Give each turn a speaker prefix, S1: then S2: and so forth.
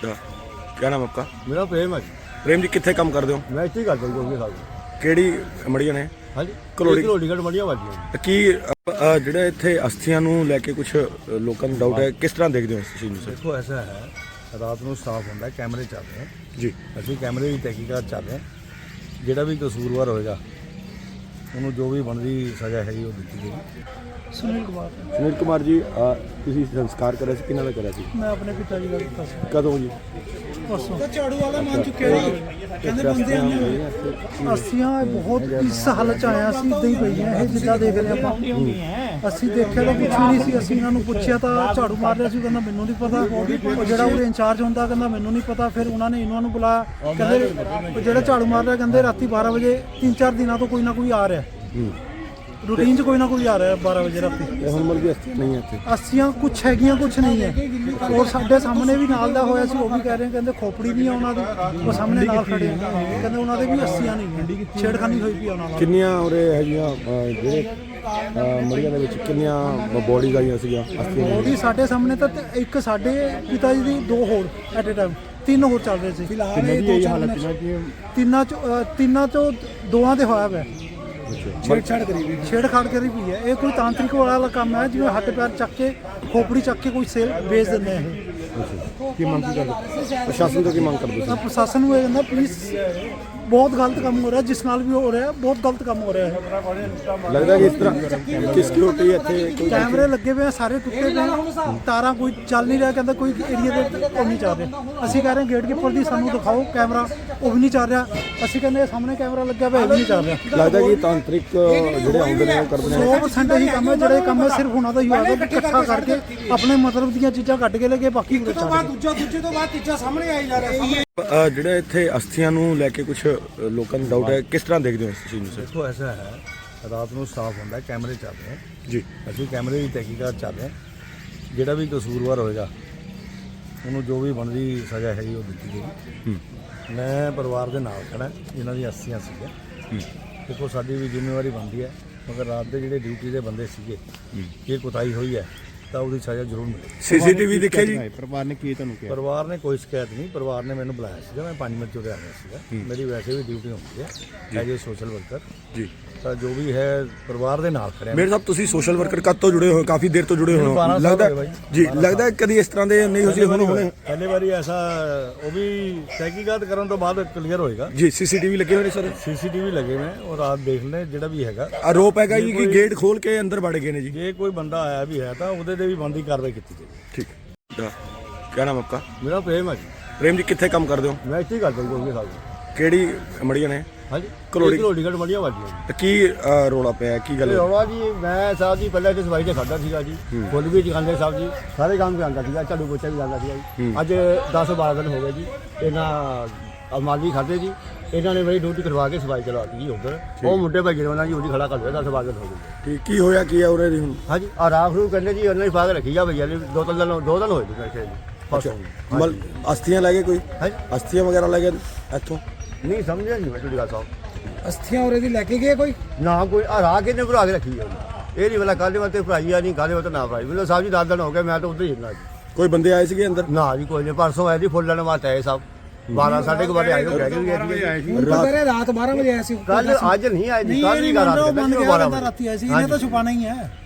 S1: क्या नाम आपका?
S2: मेरा प्रेम है जी।
S1: प्रेम जी कितने काम करते हो?
S2: मैं ਇੱਥੇ ਹੀ ਕਰਦਾ ਜੀ ਕੋਈ ਸਾਹਿਬ।
S1: ਕਿਹੜੀ ਮੜੀਆਂ ਨੇ?
S2: ਹਾਂਜੀ
S1: ਘਲੋੜੀ।
S2: ਘਲੋੜੀ ਘਟ ਮੜੀਆਂ ਵੱਜੀਆਂ।
S1: ਕੀ ਜਿਹੜਾ ਇੱਥੇ ਅਸਥੀਆਂ ਨੂੰ ਲੈ ਕੇ ਕੁਝ ਲੋਕਾਂ ਨੂੰ ਡਾਊਟ ਹੈ, ਕਿਸ ਤਰ੍ਹਾਂ ਦੇਖਦੇ ਹੋ ਇਸ ਚੀਜ਼ ਨੂੰ ਸਰ?
S2: ਦੇਖੋ ਐਸਾ ਹੈ, ਰਾਤ ਨੂੰ ਸਟਾਫ ਹੁੰਦਾ, ਕੈਮਰੇ ਚੱਲ ਰਹੇ
S1: ਜੀ,
S2: ਅਸੀਂ ਕੈਮਰੇ ਦੀ ਤਹਿਕੀਕਾਤ ਚੱਲ ਰਹੇ, ਜਿਹੜਾ ਵੀ ਕਸੂਰਵਾਰ ਹੋਏਗਾ ਉਹਨੂੰ ਜੋ ਵੀ ਬਣਦੀ ਸਜ਼ਾ ਹੈਗੀ ਉਹ ਦਿੱਤੀ ਜਾਏਗੀ।
S3: ਸੁਨੀਲ ਕੁਮਾਰ
S1: ਸੁਨੀਲ ਕੁਮਾਰ ਜੀ, ਤੁਸੀਂ ਸੰਸਕਾਰ ਕਰਿਆ ਸੀ, ਕਿਹਨਾਂ ਦਾ ਕਰਿਆ ਸੀ?
S3: ਮੈਂ ਆਪਣੇ ਪਿਤਾ ਜੀ ਦਾ ਕੀਤਾ ਸੀ
S1: ਕਦੋਂ ਜੀ?
S3: ਪਰਸੋਂ ਝਾੜੂ ਵਾਲਾ ਮੰਨ ਚੁੱਕਿਆ ਜੀ। ਕਹਿੰਦੇ ਬੰਦੇ ਆਉਂਦੇ ਅਸੀਂ ਬਹੁਤ ਇਸ ਹਾਲਤ ਚ ਆਇਆ ਸੀ, ਇਦਾਂ ਹੀ ਪਈਆਂ ਇਹ ਜਿੱਦਾਂ ਦੇਖ ਰਹੇ ਆਪਾਂ। ਅਸੀਂ ਦੇਖਿਆ ਤਾਂ ਕੁਛ ਵੀ ਨਹੀਂ ਸੀ। ਅਸੀਂ ਇਹਨਾਂ ਨੂੰ ਪੁੱਛਿਆ ਤਾਂ ਝਾੜੂ ਮਾਰ ਰਿਹਾ ਸੀ, ਕਹਿੰਦਾ ਮੈਨੂੰ ਨਹੀਂ ਪਤਾ। ਉਹ ਜਿਹੜਾ ਉਹਦੇ ਇੰਚਾਰਜ ਹੁੰਦਾ ਕਹਿੰਦਾ ਮੈਨੂੰ ਨਹੀਂ ਪਤਾ। ਫਿਰ ਉਹਨਾਂ ਨੇ ਇਹਨਾਂ ਨੂੰ ਬੁਲਾਇਆ, ਕਹਿੰਦੇ ਜਿਹੜਾ ਝਾੜੂ ਮਾਰ ਰਿਹਾ ਕਹਿੰਦੇ ਰਾਤੀ 12 ਵਜੇ 3-4 ਦਿਨਾਂ ਤੋਂ ਕੋਈ ਨਾ ਕੋਈ ਆ ਰਿਹਾ, रूटीन च कोई ना कोई आ रहा है 12 बजे राती।
S1: ਹੁਣ ਮਰ ਗਈ ਨਹੀਂ ਇੱਥੇ
S3: अस्सियां कुछ हैगियां कुछ नहीं है। और साडे सामने भी नाल दा होया सी, वो भी कह रहे हैं कहंदे खोपड़ी नहीं है उन्हां दी, वो सामने नाल खड़े हैं कहंदे उन्हां दे भी अस्सियां नहीं है, छेड़खानी होई पई उन्हां नाल।
S1: ਕਿੰਨੀਆਂ ਉਰੇ ਹੈਗੀਆਂ ਜਿਹੜੇ ਮੜੀਆਂ ਦੇ ਵਿੱਚ ਕਿੰਨੀਆਂ ਬੋਡੀਜ਼ ਆਈਆਂ ਸੀਗੀਆਂ ਅਸਥੀਆਂ?
S3: ਉਹਦੀ ਸਾਡੇ ਸਾਹਮਣੇ ਤਾਂ ਇੱਕ ਸਾਡੇ ਪਿਤਾ ਜੀ ਦੀ 2 ਹੋਰ ਐਟ ਅ ਟਾਈਮ 3 ਹੋਰ ਚੱਲ ਰਹੇ ਸੀ। ਫਿਲਹਾਲ ਇਹ ਤਿੰਨਾਂ ਚੋਂ 2 ਦੇ ਹੋਇਆ ਪਿਆ ਛੇੜਖਾੜ ਕਰੀ ਪਈ ਹੈ। ਇਹ ਕੋਈ ਤਾਂਤਰਿਕ ਵਾਲਾ ਕੰਮ ਹੈ, ਜਿਵੇਂ ਹੱਥ ਪੈਰ ਚੱਕ ਕੇ ਖੋਪੜੀ ਚੱਕ ਕੇ ਕੋਈ ਸੇਲ ਵੇਚ ਦਿੰਦੇ ਆ ਇਹ।
S1: ਕੀ ਮੰਗ ਕਰਦੇ? ਪ੍ਰਸ਼ਾਸਨ ਤੋਂ ਕੀ ਮੰਗ ਕਰਦੇ
S3: ਤਾਂ ਪ੍ਰਸ਼ਾਸਨ ਨੂੰ ਇਹ ਕਹਿੰਦਾ ਪਲੀਜ਼ ਬਹੁਤ ਗਲਤ ਕੰਮ ਹੋ ਰਿਹਾ, ਜਿਸ ਨਾਲ ਵੀ ਹੋ ਰਿਹਾ ਬਹੁਤ ਗਲਤ ਕੰਮ ਹੋ ਰਿਹਾ ਹੈ।
S1: ਲੱਗਦਾ ਕਿ ਇਸ ਤਰ੍ਹਾਂ ਕਿ ਸਿਕਿਉਰਿਟੀ ਇੱਥੇ ਕੋਈ
S3: ਕੈਮਰੇ ਲੱਗੇ ਹੋਏ ਆ, ਸਾਰੇ ਟੁੱਟੇ ਪਏ, ਤਾਰਾਂ ਕੋਈ ਚੱਲ ਨਹੀਂ ਰਿਹਾ। ਕਹਿੰਦਾ ਕੋਈ ਏਰੀਆ ਦੇ ਉਹ ਨਹੀਂ ਚੱਲ ਰਿਹਾ। ਅਸੀਂ ਕਹਿ ਰਹੇ ਗੇਟਕੀਪਰ ਦੀ ਸਾਨੂੰ ਦਿਖਾਓ ਕੈਮਰਾ, ਉਹ ਵੀ ਨਹੀਂ ਚੱਲ ਰਿਹਾ। ਅਸੀਂ ਕਹਿੰਦੇ ਸਾਹਮਣੇ ਕੈਮਰਾ ਲੱਗਿਆ ਹੋਇਆ, ਇਹ ਵੀ ਨਹੀਂ ਚੱਲ ਰਿਹਾ।
S1: ਲੱਗਦਾ ਕਿ ਤਾਂਤਰਿਕ ਜਿਹੜੇ ਆਉਂਦੇ ਨੇ ਉਹ ਕਰਦੇ ਨੇ
S3: 100% ਇਹੀ ਕੰਮ ਹੈ। ਜਿਹੜੇ ਕੰਮ ਹੈ ਸਿਰਫ ਉਹਨਾਂ ਦਾ ਹੀ ਹੋਇਆ ਕਿ ਇਕੱਠਾ ਕਰਕੇ ਆਪਣੇ ਮਤਲਬ ਦੀਆਂ ਚੀਜ਼ਾਂ ਕੱਢ ਕੇ ਲੈ ਕੇ ਬਾਕੀ ਦੂਜੇ ਤੋਂ ਬਾਅਦ ਤੀਜਾ ਸਾਹਮਣੇ ਆਈ ਜਾ ਰਿਹਾ।
S1: ਜਿਹੜਾ ਇੱਥੇ ਅਸਥੀਆਂ ਨੂੰ ਲੈ ਕੇ ਕੁਝ ਲੋਕਾਂ ਨੂੰ ਡਾਊਟ ਹੈ, ਕਿਸ ਤਰ੍ਹਾਂ ਦੇਖਦੇ ਹੋ ਇਸ ਚੀਜ਼ ਨੂੰ ਸਰ?
S2: ਦੇਖੋ ਐਸਾ ਹੈ, ਰਾਤ ਨੂੰ ਸਟਾਫ ਹੁੰਦਾ, ਕੈਮਰੇ ਚੱਲ ਰਹੇ
S1: ਜੀ,
S2: ਅਸੀਂ ਕੈਮਰੇ ਦੀ ਤਹਿਕੀਕਾਤ ਚੱਲ ਰਹੇ, ਜਿਹੜਾ ਵੀ ਕਸੂਰਵਾਰ ਹੋਏਗਾ ਉਹਨੂੰ ਜੋ ਵੀ ਬਣਦੀ ਸਜ਼ਾ ਹੈਗੀ ਉਹ ਦਿੱਤੀ ਜਾਏਗੀ। ਮੈਂ ਪਰਿਵਾਰ ਦੇ ਨਾਲ ਖੜਾ, ਜਿਨ੍ਹਾਂ ਦੀ ਅਸਥੀਆਂ ਸੀਗੀਆਂ। ਦੇਖੋ ਸਾਡੀ ਵੀ ਜ਼ਿੰਮੇਵਾਰੀ ਬਣਦੀ ਹੈ, ਮਗਰ ਰਾਤ ਦੇ ਜਿਹੜੇ ਡਿਊਟੀ ਦੇ ਬੰਦੇ ਸੀਗੇ, ਇਹ ਕੁਤਾਹੀ ਹੋਈ ਹੈ ਤਾਂ ਉਹਦੀ ਸਜ਼ਾ ਜ਼ਰੂਰ ਮਿਲੇ।
S1: ਸੀਸੀਟੀਵੀ ਦੇਖਿਆ ਜੀ?
S2: ਪਰਿਵਾਰ ਨੇ ਕੀ ਤੁਹਾਨੂੰ ਕਿਹਾ? ਪਰਿਵਾਰ ਨੇ ਕੋਈ ਸ਼ਿਕਾਇਤ ਨਹੀਂ। ਪਰਿਵਾਰ ਨੇ ਮੈਨੂੰ ਬੁਲਾਇਆ ਸੀਗਾ, ਮੈਂ 5 ਮਿੰਟ ਚੁਰਿਆ ਰਿਹਾ ਸੀਗਾ। ਮੇਰੀ ਵੈਸੇ ਵੀ ਡਿਊਟੀ ਹੁੰਦੀ ਹੈ ਐਜ ਏ ਸੋਸ਼ਲ ਵਰਕਰ ਜੀ। ਤਾਂ ਜੋ ਵੀ ਹੈ ਪਰਿਵਾਰ ਦੇ ਨਾਲ ਖੜਿਆ।
S1: ਮੇਰੇ ਸਾਹਿਬ ਤੁਸੀਂ ਸੋਸ਼ਲ ਵਰਕਰ ਕਦ ਤੋਂ ਜੁੜੇ ਹੋ? ਕਾਫੀ ਦੇਰ ਤੋਂ ਜੁੜੇ ਹੋ ਲੱਗਦਾ ਜੀ। ਲੱਗਦਾ ਕਦੀ ਇਸ ਤਰ੍ਹਾਂ ਦੇ ਨਹੀਂ ਹੋਈ? ਹੁਣ
S2: ਪਹਿਲੀ ਵਾਰੀ ਐਸਾ, ਉਹ ਵੀ ਤਹਿਕੀਕਾਤ ਕਰਨ ਤੋਂ ਬਾਅਦ ਕਲੀਅਰ ਹੋਏਗਾ
S1: ਜੀ। ਸੀਸੀਟੀਵੀ ਲੱਗੇ ਹੋਏ ਨੇ ਸਰ?
S2: ਸੀਸੀਟੀਵੀ ਲੱਗੇ ਨੇ, ਉਹ ਰਾਤ ਦੇਖ ਲੈ ਜਿਹੜਾ ਵੀ ਹੈਗਾ।
S1: ਆਰੋਪ ਹੈਗਾ ਜੀ ਕਿ ਗੇਟ ਖੋਲ ਕੇ ਅੰਦਰ ਵੜ ਗਏ ਨੇ ਜੀ।
S2: ਜੇ ਕੋਈ ਬੰਦਾ ਆਇਆ ਵੀ ਹੈ ਤਾਂ ਉਹਦੇ ਤੇ ਵੀ ਬਣਦੀ ਕਾਰਵਾਈ ਕੀਤੀ ਜਾਏਗੀ।
S1: ਠੀਕ। क्या नाम आपका?
S2: ਮੇਰਾ ਪ੍ਰੇਮ ਹੈ ਜੀ।
S1: प्रेम जी कितने काम करते हो?
S2: ਮੈਂ ਇੱਥੇ ਹੀ ਕਰਦਾ ਜੀ ਕੋਈ ਸਾਹਿਬ।
S1: ਕਿਹੜੀ ਮੜੀਆਂ ਨੇ?
S2: ਹਾਂਜੀ
S1: ਘਲੋੜੀ।
S2: ਘਲੋੜੀ ਘਟ ਮੜੀਆਂ ਵੱਜੀਆਂ।
S1: ਕੀ ਰੋਲਾ ਪਿਆ, ਕੀ ਗੱਲ?
S2: ਰੌਲਾ ਜੀ, ਮੈਂ ਸਾਹਿਬ ਜੀ ਪਹਿਲਾਂ ਇੱਥੇ ਸਫਾਈ ਤੇ ਖੜਦਾ ਸੀਗਾ ਜੀ, ਫੁੱਲ ਵੀ ਚਕਾਉਂਦੇ ਸਾਹਿਬ ਜੀ, ਸਾਰੇ ਕੰਮ ਕਰਾਉਂਦਾ ਸੀਗਾ, ਝਾੜੂ ਪੋਚਾ ਵੀ ਲਾਉਂਦਾ ਸੀਗਾ ਜੀ। ਅੱਜ 10-12 ਦਿਨ ਹੋ ਗਏ ਜੀ, ਇਹਨਾਂ ਮਾਲੀ ਖਾਦੇ ਜੀ, ਇਹਨਾਂ ਨੇ ਮੇਰੀ ਡਿਊਟੀ ਕਰਵਾ ਕੇ ਸਫਾਈ ਚਲਾਤੀ ਜੀ ਉੱਧਰ। ਉਹ ਮੁੰਡੇ ਭਾਈ ਉਹਨਾਂ ਜੀ ਉਹਦੀ ਖੜਾ ਕਰ ਲਿਆ। 10-12 ਦਿਨ ਹੋ ਗਏ।
S1: ਠੀਕ। ਕੀ ਹੋਇਆ ਕੀ ਹੈ ਉਰੇ ਦੀ ਹੁਣ?
S2: ਹਾਂਜੀ ਆ ਰਾਖ ਨੂੰ ਕਹਿੰਦੇ ਜੀ ਉਹਨਾਂ ਹੀ ਪਾ ਕੇ ਰੱਖੀ ਜਾ ਭਈਆ ਨੇ। 2 ਦਿਨ ਹੋਏ ਜੀ ਮੇਰੇ
S1: ਮਲ ਅਸਥੀਆਂ ਲੈ ਗਏ ਕੋਈ?
S2: ਹਾਂਜੀ
S1: ਅਸਥੀਆਂ ਵਗੈਰਾ ਲੈ ਗਏ ਇੱਥੋਂ?
S2: ਨਹੀਂ ਸਮਝਿਆ ਨਹੀਂ ਮੈਂ ਤੁਹਾਡੀ ਗੱਲ ਸਾਹਿਬ।
S3: ਅਸਥੀਆਂ ਉਰੇ ਦੀ ਲੈ ਕੇ ਗਏ ਕੋਈ
S2: ਨਾ ਕੋਈ ਆ ਰਾਖ ਇਹਨੇ ਭਰਾ ਕੇ ਰੱਖੀ ਆ। ਇਹ ਨਹੀਂ ਵਾਲਾ ਕਾਲੇ ਵਾਤੇ ਭਰਾਈ ਆ, ਨਹੀਂ ਕਾਲੇ ਵਾਤੇ ਨਾ ਭਰਾਈ। ਮੈਨੂੰ ਸਾਹਿਬ ਜੀ 10 ਦਿਨ ਹੋ ਗਏ, ਮੈਂ ਤਾਂ ਉੱਧਰ ਹੀ ਹੁੰਦਾ ਜੀ।
S1: ਕੋਈ ਬੰਦੇ ਆਏ ਸੀਗੇ ਅੰਦਰ?
S2: ਨਾ ਜੀ ਕੋਈ ਨਹੀਂ। ਪਰਸੋਂ ਆਏ ਜੀ ਫੁੱਲ ਲੈਣ ਵਾਸਤੇ ਆਏ ਸਾਹਿਬ। 12-12:30 ਵਜੇ ਆਏ, ਉਹ ਕਹਿ ਕੇ ਗਏ ਸੀ
S3: ਰਾਤ 12 ਵਜੇ ਆਇਆ ਸੀ।
S2: ਕੱਲ ਅੱਜ ਨਹੀਂ ਆਏ ਜੀ, ਕੱਲ ਹੀ
S3: ਰਾਤੀ ਆਇਆ ਸੀ, ਇਹਨੇ ਤਾਂ ਛੁਪਾਣਾ ਹੀ ਹੈ।